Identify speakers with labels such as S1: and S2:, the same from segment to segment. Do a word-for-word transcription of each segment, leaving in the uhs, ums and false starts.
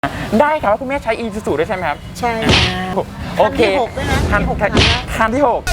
S1: ได้ครับคุณแม่ใช้อีซูซูด้วยใช่ไหมครับ
S2: ใช่
S1: โอเค
S2: คันที่หกด้วยนะ
S1: คันที่หก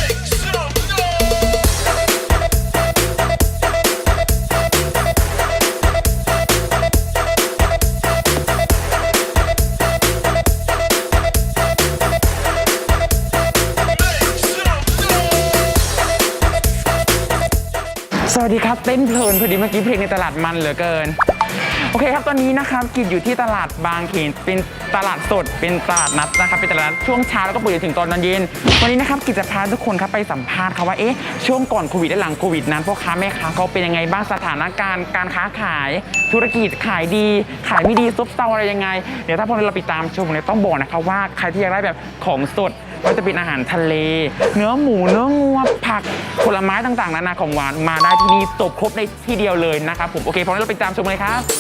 S1: สวัสดีครับเต้นเพลินพอดีเมื่อกี้เพลงในตลาดมันเหลือเกินโอเคครับตอนนี้นะครับกิจอยู่ที่ตลาดบางเขนเป็นตลาดสดเป็นตลาดนัดนะครับเป็นตลาดนัดช่วงเช้าแล้วก็เปิดถึงตอนเย็นวันนี้นะครับกิจจะพาทุกคนครับไปสัมภาษณ์ครับว่าเอ๊ะช่วงก่อนโควิดและหลังโควิดนั้นพ่อค้าแม่ค้าเขาเป็นยังไงบ้างสถานการณ์การค้าขายธุรกิจขายดีขายไม่ดีซบเซาอะไรยังไงเดี๋ยวถ้าพวกเราไปตามชมเนี่ยต้องบอกนะครับว่าใครที่อยากได้แบบของสดก็จะเป็นอาหารทะเลเนื้อหมูเนื้องัวผักผลไม้ต่างๆนานาของหวานมาได้ที่นี่จบครบในที่เดียวเลยนะครับผมโอเคพร้อมแล้วเราไปตามชมเลยครับ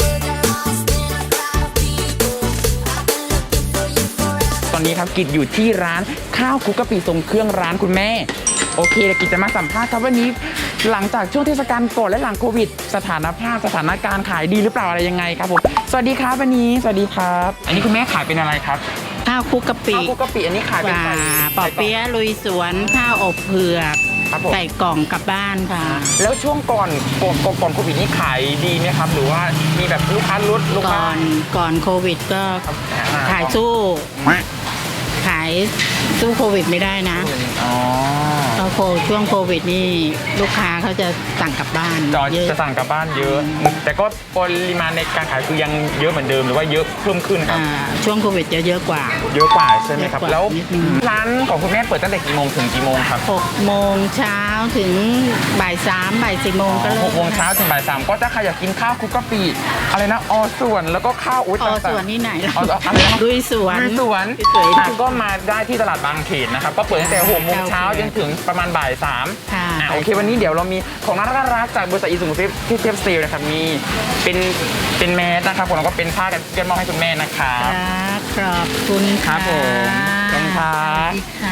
S1: ตอนนี้ครับกิจอยู่ที่ร้านข้าวคลุกกะปิทรงเครื่องร้านคุณแม่โอเคเดี๋ยวกิจจะมาสัมภาษณ์ครับวันนี้หลังจากช่วงเทศกาลก่อนและหลังโควิดสถานภาพสถานการณ์ขายดีหรือเปล่าอะไรยังไงครับผมสวัสดีครับวันนี้สวัสดีครับอันนี้คุณแม่ขายเป็นอะไรครับ
S2: ข้าวคลุกกะปิ
S1: ข้าวคลุกกะปิอันนี้ขายเป็นไง
S2: ปอเปี๊ยะลุยสวนข้าวอบเผือกใส่กล่องกลับบ้านค่ะ
S1: แล้วช่วงก่อนก่อนก่อนโควิดนี่ขายดีไหมครับหรือว่ามีแบบลูกค้าลดลูกค้า
S2: ก่อนก่อนโควิดก็ขายสู้ขายสู้โควิดไม่ได้นะ
S1: อ๋อ
S2: โคช่วงโควิดนี่ลูกค้าเขาจะสั่งกลับบ้าน
S1: จะสั่งกลับบ้านเยอะแต่ก็ปริมาณในการขายคือยังเยอะเหมือนเดิมหรือว่าเยอะเพิ่มขึ้นครับ
S2: ช่วงโควิดจะเยอะกว่า
S1: เยอะกว่าใช่ไหมครับแล้วร้านของคุณแม่เปิดตั้งแต่กี่โมงถึงกี่โมงครับ
S2: หกโมงเช้าถึงบ่ายสามบ่ายสี่โมงก็เลิก
S1: หกโมงเช้าถึงบ่ายสามก็จะใครอยากกินข้าวคลุกกะปิอะไรนะอส่วนแล้วก็ข้าวอุ้ย
S2: อส่วนนี่ไหน
S1: ล่ะอะไรนะ
S2: ลุยสวน
S1: ลุยสวนก็มาได้ที่ตลาดบางเขนนะครับก็เปิดตั้งแต่หกโมงเช้าจนถึงประมาณบ่ายสามอ่าโอเควันนี้เดี๋ยวเรามีของน่ารักจากบริษัทอีซูซูที่เทปซีลนะครับมีเป็นเป็นแมสนะครับผมแล้วก็เป็นผ้ากันเปื้อนมอบให้คุณแม่นะครับ
S2: ขอบคุณ
S1: ครับผมขอบคุณครับ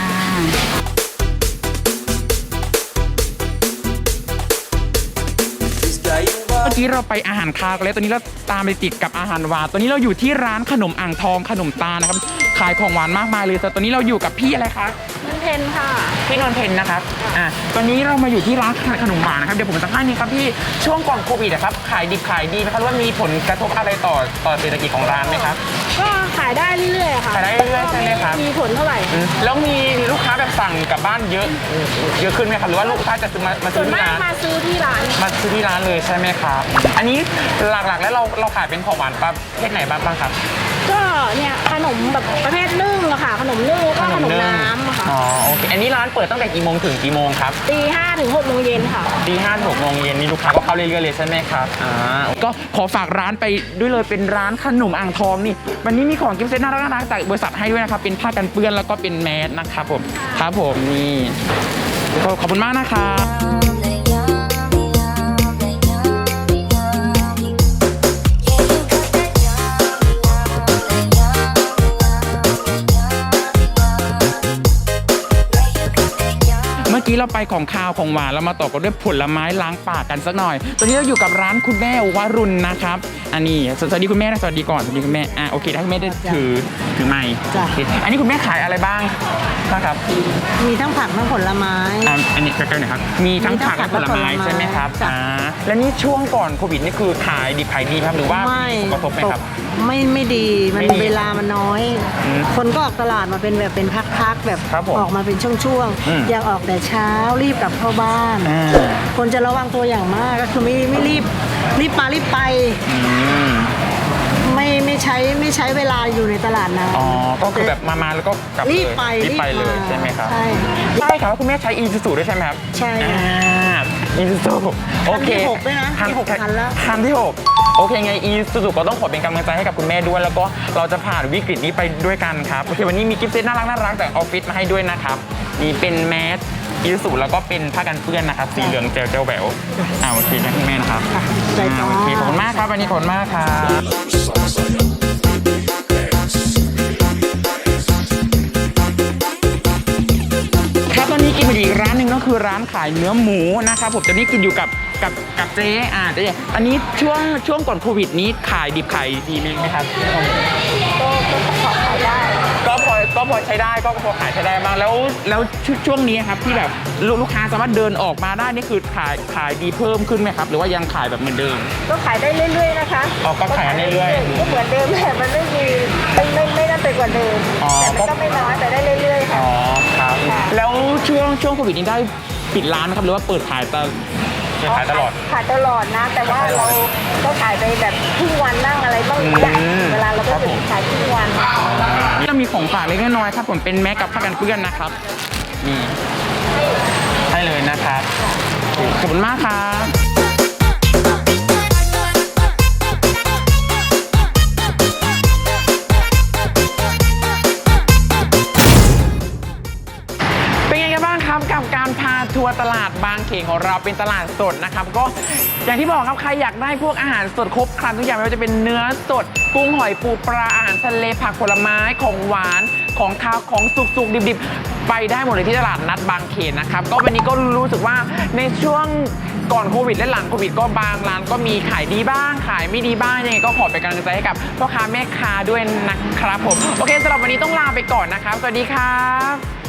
S1: เมื่อกี้เราไปอาหารคาวกันแล้วตอนนี้เราตามไปติดกับอาหารหวานตอนนี้เราอยู่ที่ร้านขนมอ่างทองขนมตาลนะครับขายของหวานมากมายเลยแต่ตอนนี้เราอยู่กับพี่อะไรคะ
S3: นนเพนค่ะ
S1: พี่นนเพนนะครับอ่าตอนนี้เรามาอยู่ที่ร้านขนมหวานนะครับเดี๋ยวผมสัมภาษณ์นี่ครับพี่ช่วงก่อนโควิดนะครับขายดีขายดีไหมครับว่ามีผลกระทบอะไรต่อต่อเศรษฐกิจของร้านไหมครับ
S3: ก็ขายได้เรื่อยๆค่ะ
S1: ขายได้เรื่อยๆใช่ไหมครับ
S3: มีผลเท่าไหร่
S1: แล้วมีลูกค้าแบบสั่งกลับบ้านเยอะเยอะขึ้นไหมครับหรือว่าลูกค้าจะซื้อมามาซื้อที่ร้าน
S3: มาซื้อที่ร้าน
S1: มาซื้อที่ร้านเลยใช่ไหมครับอันนี้หลักๆแล้วเราเราขายเป็นของหวานประเภทไหนบ้างบ้างครับ
S3: ก็เนี่ยขนมแบบประเภทนึ่งอะค่ะขนมนึ่งแล้วก็ขนมน้ำอะค่ะ
S1: อ๋อโอเคอันนี้ร้านเปิดตั้งแต่กี่โมงถึงกี่โมงครับ
S3: ตีห้าถึงหกโมงเย็นค่ะ
S1: ตีห้าถึงหกโมงเย็นนี่ลูกค้าก็เข้าเรื่อยๆเลยใช่ไหมครับอ่าก็ขอฝากร้านไปด้วยเลยเป็นร้านขนมอ่างทองนี่วันนี้มีของกิฟต์เซตน่ารักๆจากบริษัทให้ด้วยนะครับเป็นผ้ากันเปื้อนแล้วก็เป็นแมสนะครับผมครับผมนี่ขอบคุณมากนะครับเมื่อกี้เราไปของคาวของหวานเรามาต่อกันด้วยผลไม้ล้างปากกันสักหน่อยตอนนี้เราอยู่กับร้านคุณแม่วรุณนะครับอันนี้สวัสดีคุณแม่นะสวัสดีก่อนสวัสดีคุณแม่อ่ะโอเคถ้าคุณแม่ได้ถือถือไมค์อันนี้คุณแม่ขายอะไรบ้างนะครับ
S2: มีทั้งผักทั้งผลไม้
S1: อ่าอันนี้ใกล้ๆหน่อยครับมีทั้งผักและผลไม้ใช่ไหมครับอ่าและนี่ช่วงก่อนโควิดนี่คือขายดีขายดีครับหรือว่ามีผลกระทบไหมครับ
S2: ไม่ไม่ดีมันเวลามันน้อยคนก็ออกตลาดมาเป็นแบบเป็นพักๆแบบออกมาเป็นช่วงๆอยากออกแต่เช้ารีบกลับเข้าบ้านคนจะระวังตัวอย่างมากก็คือไม่ไม่รีบรีบมารีบไปไม่ไม่ใช้ไม่ใช้เวลาอยู่ในตลาดนะ
S1: อ๋อก็คือแบบมามาแล้วก็กลับ
S2: รีบไป
S1: รีบไปเลยใช่ไหมครับ
S2: ใช่
S1: ใช่ครับคุณแม่ใช้อีซูซูด้วยใช่ไหมครับ
S2: ใช่
S1: อีซูซูโอเค
S2: คันที่หกด้วยนะ
S1: คันหกคันแล้วคันที่หกโอเคไงอีซูซูก็ต้องขอเป็นกำลังใจให้กับคุณแม่ด้วยแล้วก็เราจะผ่านวิกฤตนี้ไปด้วยกันครับโอเควันนี้มีกิฟต์เซตน่ารักน่ารักจากออฟฟิศมาให้ด้วยนะครับนี่เป็นแมสอีซูซูแล้วก็เป็นผ้ากันเปื้อนนะครับสีเหลืองเจลเจลแหววอ่าโอเคนะคุณแม่นะครับอ่าโอเคขอบคุณมากครับวันนี้ขอบคุณมากครับครับตอนนี้กินมาอีกร้านหนึ่งก็คือคือร้านขายเนื้อหมูนะครับผมตอนนี้กินอยู่กับกับกับเจ๊อ่าเจ๊อันนี้ช่วงช่วงก่อนโควิดนี้ขายดิบขายดีไหมครับ
S3: ก็ก็ขอขายได้
S1: ก็พอก็พอใช้ได้ก็พอขายใช้ได้บ้างแล้วแล้วช่วงนี้ครับที่แบบลูกลูกค้าสามารถเดินออกมาได้นี่คือขายขายดีเพิ่มขึ้นไหมครับหรือว่ายังขายแบบเหมือนเดิม
S3: ก็ขายได้เรื่อยๆนะคะ
S1: อ๋อก็ขายเรื่อยๆ
S3: ก็เหมือนเดิมแต่มันไม่มีไม่ไม่ไม่น่าไปกว่าเดิม
S1: อ๋อ
S3: แต่มันก็ไม่น้อยแต่ได้เรื่อยๆค่ะ
S1: อ๋อครับ
S3: ค่ะ
S1: แล้วช่วงช่วงโควิดนี้ได้ปิดร้านไหมครับหรือว่าเปิดขายตลอดเปิดขายตลอด
S3: ขายตลอดนะ แต่ว่าเราก็ขายไปแบบครึ่งวันนั่งอะไรบ้างเนี่ย
S1: อืม
S3: เวลาเราก็
S1: ครับ
S3: จะ
S1: ผม
S3: ขายครึ่งวัน
S1: นี่เรามีของฝากเล็กน้อยครับผมเป็นแมสกับผ้ากันเปื้อนนะครับนี่ให้เลยนะครับขอบคุณมากครับเป็นไงกันบ้างครับกับการพาทัวร์ตลาดบางเขนของเราเป็นตลาดสดนะครับก็อย่างที่บอกครับใครอยากได้พวกอาหารสดครบครันทุกอย่างไม่ว่าจะเป็นเนื้อสดกุ้งหอยปูปลาอาหารทะเลผักผลไม้ของหวานของคาวของสุกๆดิบๆไปได้หมดเลยที่ตลาดนัดบางเขนนะครับก็วันนี้ก็รู้สึกว่าในช่วงก่อนโควิดและหลังโควิดก็บางร้านก็มีขายดีบ้างขายไม่ดีบ้างยังไงก็ขอเป็นกำลังใจให้กับพ่อค้าแม่ค้าด้วยนะครับผมโอเคสำหรับวันนี้ต้องลาไปก่อนนะครับสวัสดีครับ